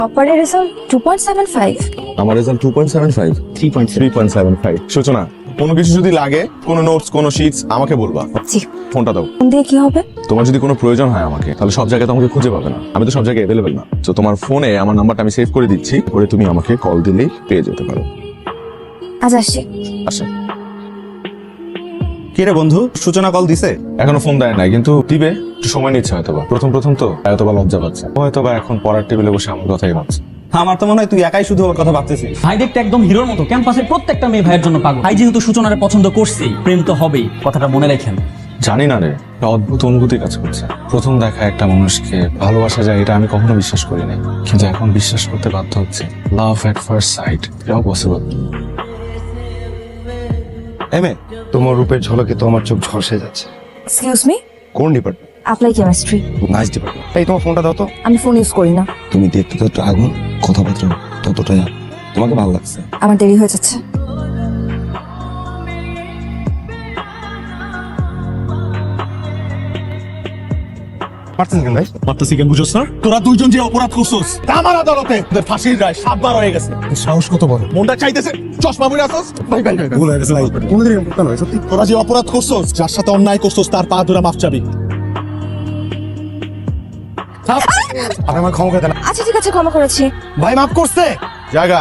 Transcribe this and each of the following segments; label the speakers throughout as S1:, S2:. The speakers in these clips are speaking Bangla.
S1: টপারের রেজাল্ট 2.75।
S2: আমার রেজাল্ট 2.75 3.75 সূচনা কোনো কিছু যদি লাগে কোনো নোটস কোনো শিটস আমাকে বলবা।
S1: জি।
S2: ফোনটা দাও।
S1: ফোন দিয়ে কি হবে?
S2: তোমার যদি কোনো প্রয়োজন হয় আমাকে তাহলে সব জায়গায় আমাকে খুঁজে পাবে না, আমি তো সব জায়গায় অ্যাভেলেবেল না। তো তোমার ফোনে আমার নাম্বারটা আমি সেভ করে দিচ্ছি, পরে তুমি আমাকে কল দিলেই পেয়ে যেতে পারো।
S1: আজ আসছি।
S2: আচ্ছা
S3: কি রে বন্ধু, সূচনা কল দিছে?
S2: এখনো ফোন দেয় নাই, কিন্তু দিবে, একটু সময় নিচ্ছে হয়তোবা। প্রথম তো হয়তোবা লজ্জা পাচ্ছে, হয়তোবা এখন পড়ার টেবিলে বসে আমার কথাই ভাবছে।
S3: আমার তো মনে হয় তুই একাই শুধু ওর কথা ভাবতেছিস।
S4: ভাই দেখতে একদম হিরোর মতো, ক্যাম্পাসের প্রত্যেকটা মেয়ে ভাইয়ের জন্য পাগল। ভাই যেহেতু সূচনারে পছন্দ করছেই, প্রেম তো হবেই, কথাটা মনে রাখেন।
S2: জানি না রে, একটা অদ্ভুত অনুভূতি কাজ করছে। প্রথম দেখা একটা মানুষকে ভালোবাসা যায় এটা আমি কখনো বিশ্বাস করি নাই, কিন্তু এখন বিশ্বাস করতে বাধ্য হচ্ছে। লাভ এট ফার্স্ট সাইট, এটাও পসিবল।
S5: এমএ, তোমার রূপের ঝলকে তো আমার চোখ ঝলসে যাচ্ছে।
S1: এক্সকিউজ মি,
S5: কোন department?
S1: Applied chemistry.
S5: Nice department. এই তোমার ফোনটা দাও তো।
S1: আমি ফোন ইউজ করি না।
S5: তুমি দেখতে তো একটু আগুন, কথাবার্তা ততটাই তোমাকে ভালো লাগছে।
S1: আমার দেরি হয়ে যাচ্ছে।
S5: পারছেন কেন ভাই?
S3: মাত্রাসি কেন বুঝছস না? তোরা দুইজন যে অপরাধ করছস আমার আদালতে তোদের ফাঁসির রায় 7 বার হয়ে গেছে।
S5: সাহস কত বড়!
S3: মনটা চাইতেছে চশমা পরে আসছস।
S5: ভাই ভাই ভুল হয়ে গেছে ভাই। কোনদিন এরকম করতে নয় সত্যি।
S3: তোরা যে অপরাধ করছস, যার সাথে অন্যায় করছস তার পা ধরে মাফ চাবি।
S5: আপনি আমার ক্ষমা করে দেন।
S1: আচ্ছা ঠিক আছে, ক্ষমা করেছি।
S5: ভাই মাফ করছে।
S3: জায়গা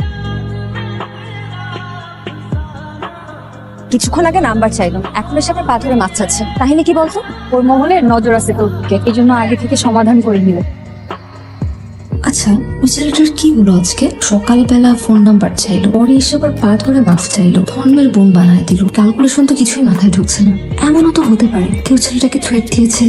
S1: কিছুক্ষণ আগে নাম্বার চাইলাম, এখন এসে আবার পা ধরে মাছ চাচ্ছে। কাহিনী কি বলতো? ওর মহলের নজর আছে তোর দিকে, এই জন্য আগে থেকে সমাধান করে নিল।
S6: আচ্ছা, ওই ছেলেটার কি হলো আজকে? সকালবেলা ফোন নাম্বার চাইলো, পরে এসে আবার পা ধরে মাফ চাইলো, ধর্মের বোন বানায় দিল। ক্যালকুলেশন তো কিছুই মাথায় ঢুকছে না। এমনও তো হতে পারে কেউ ছেলেটাকে থ্রেট দিয়েছে।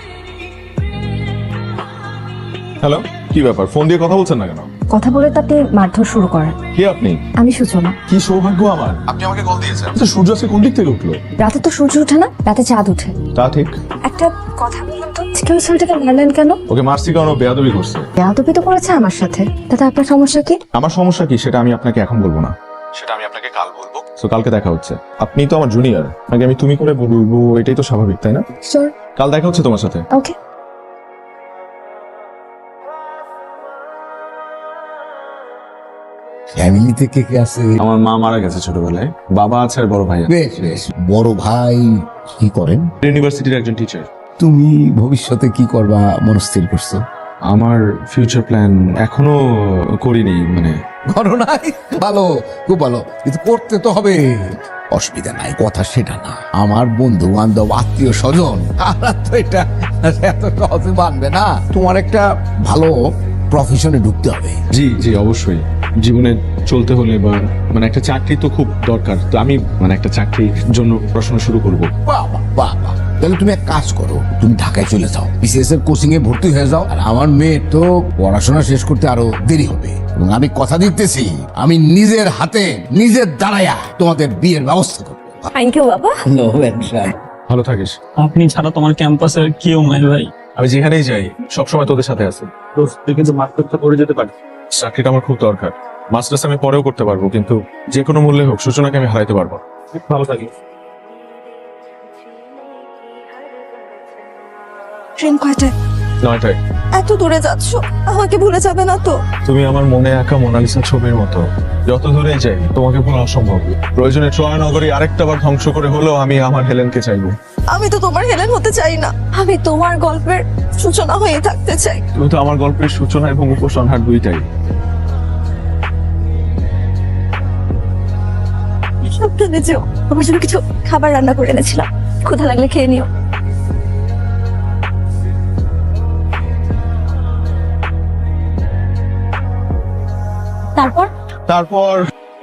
S2: হ্যালো, কি ব্যাপার? ফোন দিয়ে কথা বলছেন না কেন?
S1: কথা বলে তাতে মারধর শুরু করেন।
S2: কে আপনি?
S1: আমি সূচনা।
S2: কি সৌভাগ্য আমার, আপনি আমাকে কল দিয়েছেন। আচ্ছা, সূর্য আজকে কোন দিক থেকে উঠলো?
S1: রাতে তো সূর্য ওঠে না, রাতে চাঁদ ওঠে।
S2: তা ঠিক।
S1: একটা কথা বলুন তো, কেউ ছেলেটাকে মারলেন কেন?
S2: ওকে মারছি কারণ ও বেয়াদবি করছে।
S1: বেয়াদবি তো করেছে আমার সাথে, তাতে আপনার সমস্যা কি?
S2: আমার সমস্যা কি সেটা আমি আপনাকে এখন বলবো না, সেটা আমি আপনাকে কাল বলবো। তো কালকে দেখা হচ্ছে। আপনি তো আমার জুনিয়র, আগে আমি তুমি করে বলবো, এটাই তো স্বাভাবিক, তাই না?
S1: শিওর।
S2: কাল দেখা হচ্ছে তোমার সাথে।
S1: ওকে।
S7: ফ্যামিলি থেকে কে আছে?
S2: আমার মা মারা গেছে ছোটবেলায়, বাবা আছে আর বড় ভাই আছে।
S7: বেশ বেশ। বড় ভাই কি করেন?
S2: ইউনিভার্সিটির একজন টিচার।
S7: তুমি ভবিষ্যতে কি করবা মনস্থির করছো?
S2: আমার ফিউচার প্ল্যান এখনো করিনি, মানে
S7: করো নাই? ভালো, খুব ভালো, কিন্তু করতে তো হবে। অসুবিধা নাই, কথা সেটা না। আমার বন্ধু বান্ধব আত্মীয় স্বজন তারা তো এটা এত সহজে মানবে না। তোমার একটা ভালো প্রফেশনে ঢুকতে হবে।
S2: জি জি অবশ্যই। জীবনে চলতে হলে বা মানে একটা চাকরি তো খুব দরকার, তো আমি মানে একটা চাকরির জন্য পড়াশোনা শুরু করব।
S7: বাবা বাবা, তাহলে তুমি এক কাজ করো, তুমি ঢাকায় চলে যাও, বিসিএস এর কোচিং এ ভর্তি হয়ে যাও। আর আমার মেয়ে তো পড়াশোনা শেষ করতে আরো দেরি হবে, এবং আমি কথা দিতেছি আমি নিজের হাতে নিজের দাঁড়ায়া তোমাদের বিয়ের ব্যবস্থা করবো।
S1: থ্যাংক ইউ বাবা।
S2: ভালো থাকিস।
S4: আপনি ছাড়া তোমার ক্যাম্পাসের কেউ নাই ভাই।
S2: আমি যেখানেই যাই সবসময় তোদের সাথে আছি।
S4: তুই কিন্তু মাস্টারটা করে যেতে পারিস।
S2: চাকরিটা আমার খুব দরকার। মাস্টার্স আমি পরেও করতে পারবো, কিন্তু যে কোনো মূল্যে হোক সূচনাকে আমি হারাইতে পারবো না।
S4: ভালো থাকিস।
S1: ট্রেন কয়টায়?
S2: 9টায়।
S1: এত দূরে যাচ্ছ, আমাকে ভুলে যাবে না তো?
S2: তুমি আমার মনে আঁকা মোনালিসা ছবির মতো, যত দূরে যাই তোমাকে ভোলা অসম্ভব। প্রয়োজনে ট্রয় নগরী আরেকটা বার ধ্বংস করে হলেও আমি আমার হেলেনকে চাইবো।
S1: আমি তো তোমার হেলেন হতে চাই না, আমি তোমার গল্পের সূচনা হয়ে থাকতে চাই।
S2: তুমি তো আমার গল্পের সূচনা এবং উপসংহার দুইটাই।
S1: সাবধানে যেও, আমার জন্য কিছু খাবার রান্না করে এনেছিলাম, ক্ষুধা লাগলে খেয়ে নিও।
S2: তারপর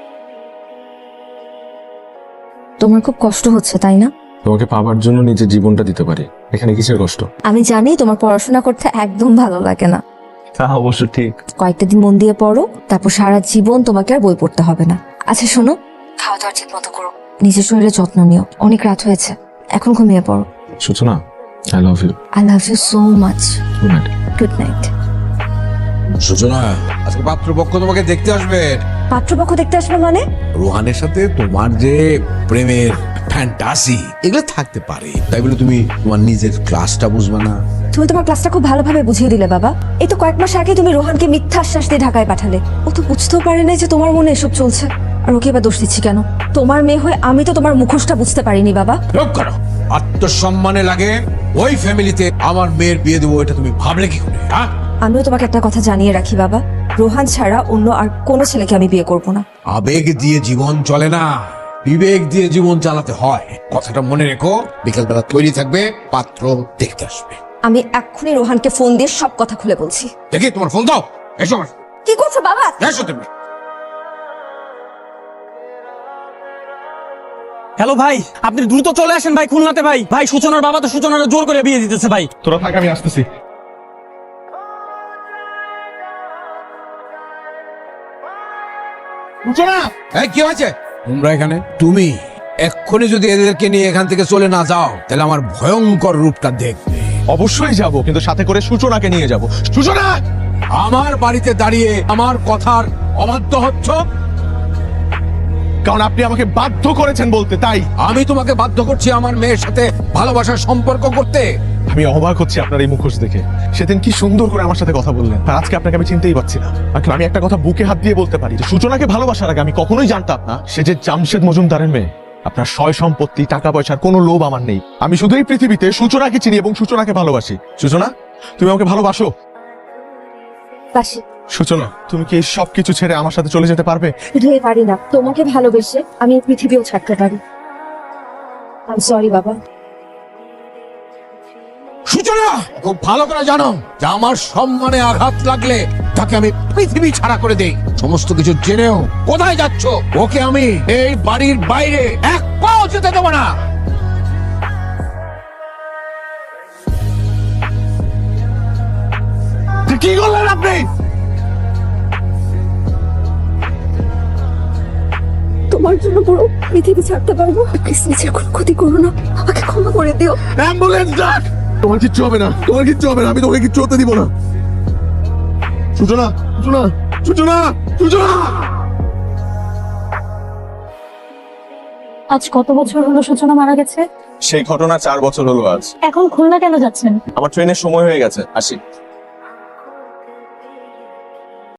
S1: তোমার খুব কষ্ট হচ্ছে তাই না?
S2: তোমাকে পাবার জন্য নিজের জীবনটা দিতে পারি, এখানে কিসের কষ্ট?
S1: আমি জানি তোমার পড়াশোনা করতে একদম ভালো লাগে না।
S2: তা অবশ্য ঠিক।
S1: কয়েকটা দিন মন দিয়ে পড়ো, তারপর সারা জীবন তোমাকে আর বই পড়তে হবে না। আচ্ছা শোনো, খাওয়া দাওয়া ঠিক মতো করো, নিজের শরীরে যত্ন নিও। অনেক রাত হয়েছে, এখন ঘুমিয়ে পড়ো।
S2: Suchana, I love you.
S1: I love you so much.
S2: Good night.
S1: Good night.
S7: Suchana, আজকে পাত্রপক্ষ তোমাকে দেখতে আসবে।
S1: পাত্রপক্ষ দেখতে আসবে মানে?
S7: রোহানের সাথে তোমার যে প্রেমের ফ্যান্টাসি এগুলো থাকতে পারে, তাই বলে তুমি তোমার নিজের ক্লাসটা বুঝবে না,
S1: তুমি তোমার ক্লাসটা খুব ভালোভাবে বুঝিয়ে দিলে বাবা। এই তো কয়েক মাস আগে তুমি রোহানকে মিথ্যা আশ্বাস দিয়ে ঢাকায় পাঠালে। ও তো বুঝতেও পারে না যে তোমার মনে এসব চলছে। আর ওকে এবার দোষ দিচ্ছি কেন? তোমার মেয়ে হয়ে আমি তো তোমার মুখোশটা বুঝতে পারিনি বাবা।
S7: চুপ করো। আত্মসম্মানে লাগে ওই ফ্যামিলিতে আমার মেয়ের বিয়ে দেবো, এটা তুমি ভাবলে কি করে? হ্যাঁ,
S1: আমিও তোমাকে একটা কথা জানিয়ে রাখি বাবা, রোহান ছাড়া অন্য আর কোনো ছেলেকে আমি বিয়ে করব না।
S7: আবেগ দিয়ে জীবন চলে না, বিবেক দিয়ে জীবন চালাতে হয়। কথাটা মনে রেখো। বিকেলবেলা তৈরি থাকবে, পাত্র দেখতে আসবে।
S1: আমি এক্ষুনি রোহানকে ফোন দিয়ে সব কথা খুলে বলছি।
S7: দেখি তোমার ফোন দাও। এসো আমার।
S1: কি করছো বাবা?
S7: এসো তুমি।
S4: হ্যালো ভাই, আপনি দ্রুত চলে আসেন ভাই খুলনাতে। ভাই ভাই সূচনার বাবা তো সূচনার জোর করে বিয়ে দিতেছে ভাই।
S2: তোরা থাক, আমি আসতেছি।
S7: এই, কি হয়েছে? তোমরা এখানে? তুমি এক্ষুনি যদি এদেরকে নিয়ে এখান থেকে চলে না যাও, তাহলে আমার ভয়ঙ্কর রূপটা দেখবে।
S3: অবশ্যই যাব, কিন্তু সাথে করে সূচনাকে নিয়ে যাব। সূচনা,
S7: আমার বাড়িতে দাঁড়িয়ে আমার কথার অবাধ্য হচ্ছ।
S3: কারণ আপনি আমাকে বাধ্য করেছেন বলতে, তাই
S7: আমি তোমাকে বাধ্য করছি আমার মেয়ের সাথে ভালোবাসার সম্পর্ক করতে।
S3: আমি অবাক হচ্ছি আপনার এই মুখোশ দেখে। সেদিন কি সুন্দর করে আমার সাথে কথা বললেন, আর আজকে আপনাকে আমি চিনতেই পারছি না। আঙ্কেল, আমি একটা কথা বুকে হাত দিয়ে বলতে পারি যে সূচনাকে ভালোবাসার আগে আমি কখনোই জানতাম না সে যে জামশেদ মজুমদারের মেয়ে। আপনার সয় সম্পত্তি, টাকা পয়সার কোনো লোভ আমার নেই। আমি শুধু এই পৃথিবীতে সূচনাকে চিনি এবং সূচনাকে ভালোবাসি। সূচনা, তুমি আমাকে ভালোবাসো?
S1: বাসি।
S3: সূচনা, তুমি কি এই সবকিছু ছেড়ে আমার সাথে চলে যেতে পারবে?
S1: শুধু এ পারি না, তোমাকে ভালোবেসে আমি এই পৃথিবীও ছাড়তে পারি। আই সরি বাবা।
S7: সূচনা, খুব ভালো করে জানো যে আমার সম্মানে আঘাত লাগলে তাকে আমি পৃথিবী ছাড়া করে দেই। সমস্ত কিছু জেনেও কোথায় যাচ্ছ? ওকে আমি এই বাড়ির বাইরে এক পাও যেতে দেবো না।
S3: কি করলেন আপনি?
S1: তোমার জন্য পুরো পৃথিবী ছাড়তে পারবো। প্লিজ নিজের কোনো ক্ষতি করো না, আমাকে ক্ষমা করে দিও।
S3: অ্যাম্বুলেন্স ডাক। তোমার কিচ্ছু হবে না, তোমার কিচ্ছু হবে না, আমি তোমাকে কিচ্ছু হতে দিব না। সূচনা, সূচনা, সূচনা, সূচনা।
S8: আজ কত বছর হলো সূচনা মারা গেছে?
S2: সেই ঘটনা 4 বছর হলো আজ।
S8: এখন খুলনা কেন যাচ্ছেন?
S2: আমার ট্রেনের সময় হয়ে গেছে, আসি।